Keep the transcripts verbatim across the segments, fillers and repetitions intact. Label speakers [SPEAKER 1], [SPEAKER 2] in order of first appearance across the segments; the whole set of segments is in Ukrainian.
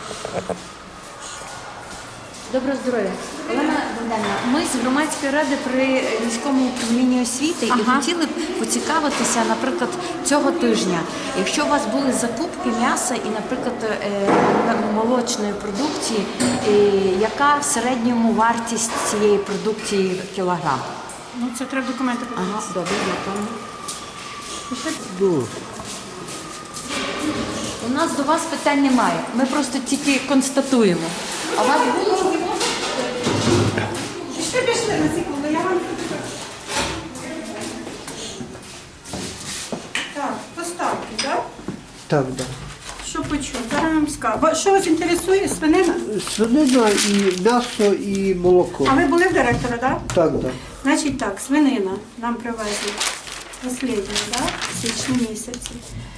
[SPEAKER 1] Доброго здоров'я. Олена Богданівна, ми з громадської ради при міському управлінні освіти
[SPEAKER 2] Ага.
[SPEAKER 1] і хотіли б поцікавитися, наприклад, цього тижня. Якщо у вас були закупки м'яса і, наприклад, е, молочної продукції, е, яка в середньому вартість цієї продукції в кілограм?
[SPEAKER 2] Ну, це треба документи подивитися.
[SPEAKER 1] Ага, добре, дякую.
[SPEAKER 3] Ну,
[SPEAKER 1] У нас до вас питань немає. Ми просто тільки констатуємо. А у вас було?
[SPEAKER 2] Пішли, пішли на секунду, я вам... Так, поставки, так?
[SPEAKER 3] так, да.
[SPEAKER 2] Що почув? Зараз вам скажу. Ва- Що вас інтересує? Свинина?
[SPEAKER 3] Свинина і м'ясо, і молоко.
[SPEAKER 2] А ви були в директора, так?
[SPEAKER 3] Так, да.
[SPEAKER 2] Значить так, свинина нам привезли останню, да? В січні місяці.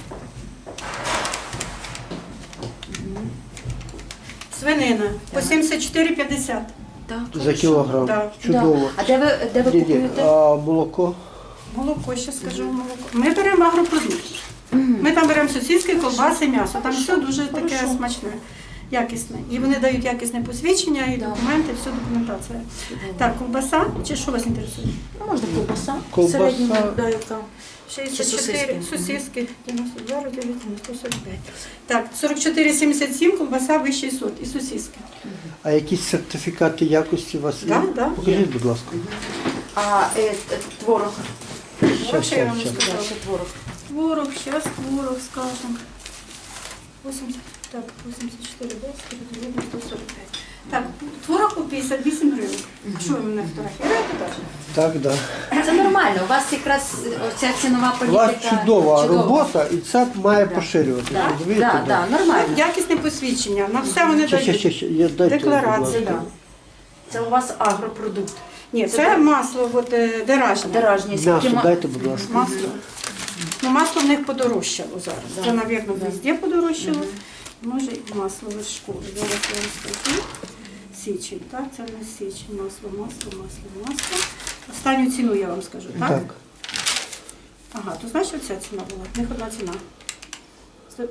[SPEAKER 2] Свинина по сімдесят чотири п'ятдесят.
[SPEAKER 1] Так,
[SPEAKER 3] За
[SPEAKER 1] хорошо.
[SPEAKER 3] кілограм.
[SPEAKER 2] Да.
[SPEAKER 3] Чудово.
[SPEAKER 1] А де ви, де ви
[SPEAKER 3] Ні, ні,
[SPEAKER 1] купуєте?
[SPEAKER 3] а молоко?
[SPEAKER 2] Молоко, ще скажу молоко. Ми беремо агропродукт. Ми там беремо сосиски, колбаси, м'ясо. Там все дуже таке смачне, якісне. І вони дають якісне посвідчення, і документи, всю документація. Так, колбаса, чи що вас інтересує?
[SPEAKER 1] Ну, можна ковбаса.
[SPEAKER 3] Ковбаса.
[SPEAKER 1] В середньому, да, яка.
[SPEAKER 2] шістдесят чотири,
[SPEAKER 1] сосиски?
[SPEAKER 2] сосиски, дев'яносто два, дев'яносто, сто сорок п'ять. Так, сорок чотири сімдесят сім, колбаса вищий сорт і сосиски.
[SPEAKER 3] А якісь сертифікати якості у вас є?
[SPEAKER 2] Да, да,
[SPEAKER 3] Покажіть,
[SPEAKER 2] є.
[SPEAKER 3] будь ласка.
[SPEAKER 1] А е, е, творог.
[SPEAKER 3] Щас,
[SPEAKER 2] Ще я вам
[SPEAKER 3] щас, щас.
[SPEAKER 2] розкажу.
[SPEAKER 1] Ще творог.
[SPEAKER 2] Творог, зараз творог, скажем. вісімдесят, так, вісімдесят чотири, десять, дев'яносто, сто сорок п'ять. Так, творог по п'ятдесят вісім гривень. Що ви мене фотографіруєте теж?
[SPEAKER 3] Так, да.
[SPEAKER 1] Це нормально. У вас якраз ця цінова
[SPEAKER 3] У
[SPEAKER 1] політика.
[SPEAKER 3] вас чудова робота, і це має поширюватися.
[SPEAKER 1] Так,
[SPEAKER 3] розумієте?
[SPEAKER 1] да, да, нормально.
[SPEAKER 2] Якісне посвідчення, на все вони
[SPEAKER 3] Ще, ще,
[SPEAKER 2] дають.
[SPEAKER 3] ще, ще. Я- дайте,
[SPEAKER 2] Декларація,
[SPEAKER 3] будь
[SPEAKER 2] да.
[SPEAKER 3] ласка.
[SPEAKER 1] Це у вас агропродукт.
[SPEAKER 2] Ні, це масло, от, е, деражне.
[SPEAKER 1] Деражні. Скільки
[SPEAKER 3] М'ясо
[SPEAKER 1] ма-
[SPEAKER 3] дайте, будь ласка.
[SPEAKER 2] Масло. Ну, масло в них подорожчало зараз.
[SPEAKER 1] Да.
[SPEAKER 2] Це, мабуть, везде подорожчало. Може, і масло з школи. Зараз я вам скажу. Січень, так? Це не січень. Масло, масло, масло, масло. Останню ціну я вам скажу, так?
[SPEAKER 3] Так.
[SPEAKER 2] Ага, то знаєш, що ця ціна була? В них одна ціна. Сто-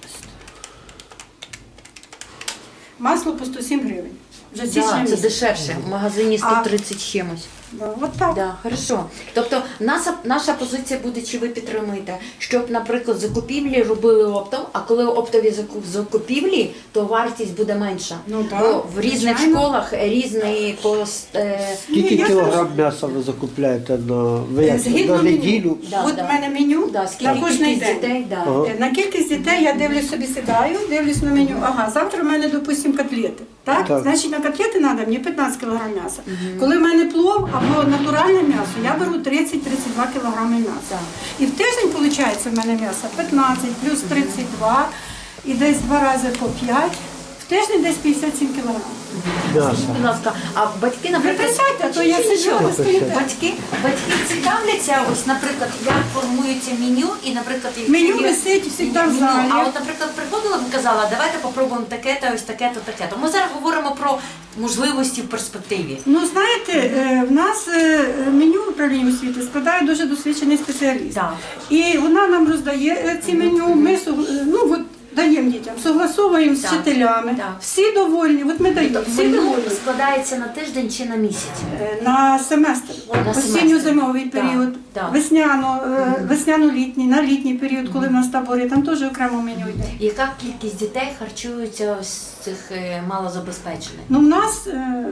[SPEAKER 2] Масло по сто сім гривень. Вже січня
[SPEAKER 1] Да, це
[SPEAKER 2] місяць.
[SPEAKER 1] дешевше. В магазині сто тридцять чимось.
[SPEAKER 2] Да, от так.
[SPEAKER 1] Да, хорошо. Тобто наша, наша позиція буде, чи ви підтримуєте, щоб, наприклад, закупівлі робили оптом, а коли оптові закуп- закупівлі, то вартість буде менша.
[SPEAKER 2] Ну, так,
[SPEAKER 1] Бо в різних
[SPEAKER 2] звичайно.
[SPEAKER 1] школах різний кост. Е,
[SPEAKER 3] Скільки
[SPEAKER 2] Ні, я
[SPEAKER 3] кілограм м'яса ви закупляєте на, ви як,
[SPEAKER 2] Згідно
[SPEAKER 3] на
[SPEAKER 2] меню.
[SPEAKER 3] неділю?
[SPEAKER 1] Да,
[SPEAKER 2] От
[SPEAKER 1] да.
[SPEAKER 2] в мене меню
[SPEAKER 1] да,
[SPEAKER 2] на
[SPEAKER 1] скільки
[SPEAKER 2] кожний
[SPEAKER 1] кількість
[SPEAKER 2] день.
[SPEAKER 1] дітей, да.
[SPEAKER 3] Ага.
[SPEAKER 2] Е, На кількість дітей я дивлюсь собі, сідаю, дивлюсь на меню. Ага, завтра в мене, допустимо, котлети. Так?
[SPEAKER 3] Так.
[SPEAKER 2] Значить, на котлети треба мені п'ятнадцять кілограм м'яса. Коли в мене плов або натуральне м'ясо, я беру тридцять-тридцять два кілограми м'яса.
[SPEAKER 1] Так.
[SPEAKER 2] І в тиждень, виходить, в мене м'ясо п'ятнадцять плюс тридцять два і десь два рази по п'ять. В тиждень десь п'ятдесят сім кілограмів.
[SPEAKER 3] М'яса.
[SPEAKER 1] Будь ласка, а батьки, наприклад,
[SPEAKER 2] Приписайте, а то я сиджу,
[SPEAKER 1] Що?
[SPEAKER 2] ви стоїте.
[SPEAKER 1] Батьки, батьки цікавляться, ось, наприклад, як формується меню, і, наприклад, якщо
[SPEAKER 2] Меню
[SPEAKER 1] є-
[SPEAKER 2] висить завжди в
[SPEAKER 1] меню.
[SPEAKER 2] залі.
[SPEAKER 1] А от, наприклад, приходила б і казала, давайте попробуємо таке-то, ось таке-то, таке-то. Ми зараз говоримо про можливості в перспективі.
[SPEAKER 2] Ну, знаєте, е, в нас е, меню управління освіти складає дуже досвідчений спеціаліст.
[SPEAKER 1] Так.
[SPEAKER 2] І вона нам роздає е, ці меню, ми суг- е, ну, от, даємо дітям, согласовуємо з
[SPEAKER 1] Так,
[SPEAKER 2] вчителями.
[SPEAKER 1] так.
[SPEAKER 2] Всі довольні, от ми даємо, всі
[SPEAKER 1] Меню
[SPEAKER 2] довольні.
[SPEAKER 1] складається на тиждень чи на місяць?
[SPEAKER 2] Е, На семестр,
[SPEAKER 1] На
[SPEAKER 2] осінньо-зимовий
[SPEAKER 1] семестр.
[SPEAKER 2] період,
[SPEAKER 1] Так, так.
[SPEAKER 2] весняно, е, весняно-літній, на літній період, коли в нас табори, там теж окремо меню йде.
[SPEAKER 1] Яка кількість дітей харчуються з цих е, малозабезпечених?
[SPEAKER 2] Ну, в нас е,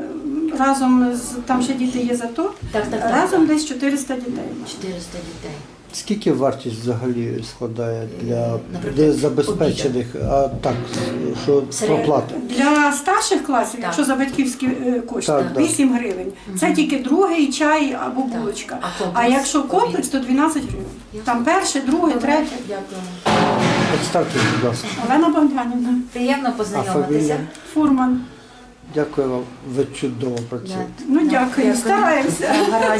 [SPEAKER 2] разом з, там ще діти є зато,
[SPEAKER 1] Так, так, так,
[SPEAKER 2] разом
[SPEAKER 1] так.
[SPEAKER 2] десь чотириста дітей.
[SPEAKER 1] чотириста дітей.
[SPEAKER 3] Скільки вартість взагалі складає для,
[SPEAKER 1] Наприклад,
[SPEAKER 3] для забезпечених, а так, що
[SPEAKER 1] Середньо.
[SPEAKER 3] проплати?
[SPEAKER 2] Для старших класів,
[SPEAKER 1] Так.
[SPEAKER 2] якщо за батьківські е, кошти,
[SPEAKER 3] Так, так.
[SPEAKER 2] вісім гривень. Це тільки другий чай або булочка.
[SPEAKER 1] А
[SPEAKER 2] А,
[SPEAKER 1] комплекс?
[SPEAKER 2] якщо комплекс, то дванадцять гривень. Там перше, друге, третє.
[SPEAKER 1] Дякую.
[SPEAKER 3] Представте, будь ласка.
[SPEAKER 2] Олена Богданівна,
[SPEAKER 1] Приємно
[SPEAKER 3] А
[SPEAKER 1] познайомитися.
[SPEAKER 3] фамілія?
[SPEAKER 2] фурман.
[SPEAKER 3] Дякую вам, ви чудово працюєте.
[SPEAKER 1] Да.
[SPEAKER 2] Ну
[SPEAKER 1] Да,
[SPEAKER 2] дякую, стараємося.
[SPEAKER 1] Гаразд.